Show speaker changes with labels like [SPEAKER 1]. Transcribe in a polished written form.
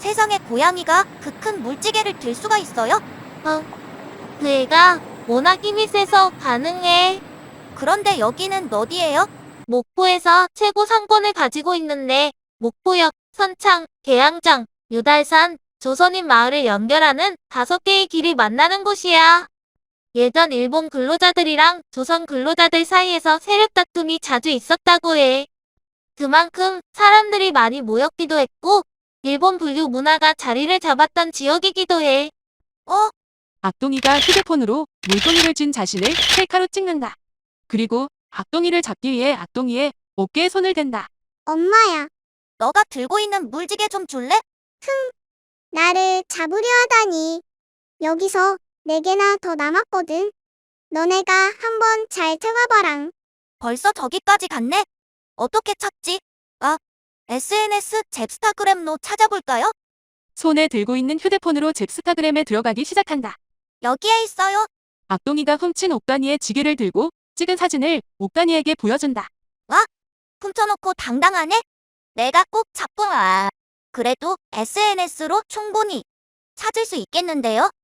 [SPEAKER 1] 세상에 고양이가 그 큰 물지개를 들 수가 있어요?
[SPEAKER 2] 그 애가 워낙 힘이 세서 가능해.
[SPEAKER 1] 그런데 여기는 어디예요?
[SPEAKER 2] 목포에서 최고 상권을 가지고 있는데 목포역, 선창, 계양장, 유달산, 조선인 마을을 연결하는 5개의 길이 만나는 곳이야. 예전 일본 근로자들이랑 조선 근로자들 사이에서 세력 다툼이 자주 있었다고 해. 그만큼 사람들이 많이 모였기도 했고 일본 분류 문화가 자리를 잡았던 지역이기도 해.
[SPEAKER 3] 악동이가 휴대폰으로 물동이를 쥔 자신을 셀카로 찍는다. 그리고 악동이를 잡기 위해 악동이의 어깨에 손을 댄다.
[SPEAKER 4] 엄마야,
[SPEAKER 1] 너가 들고 있는 물지개 좀 줄래?
[SPEAKER 4] 나를 잡으려 하다니. 여기서 4개나 더 남았거든. 너네가 한번 잘 채워봐랑.
[SPEAKER 1] 벌써 저기까지 갔네? 어떻게 찾지? SNS 잽스타그램로 찾아볼까요?
[SPEAKER 3] 손에 들고 있는 휴대폰으로 잽스타그램에 들어가기 시작한다.
[SPEAKER 1] 여기에 있어요.
[SPEAKER 3] 악동이가 훔친 옥단이의 지게를 들고 찍은 사진을 옥단이에게 보여준다.
[SPEAKER 1] 훔쳐놓고 당당하네? 내가 꼭 잡고 그래도 SNS로 충분히 찾을 수 있겠는데요?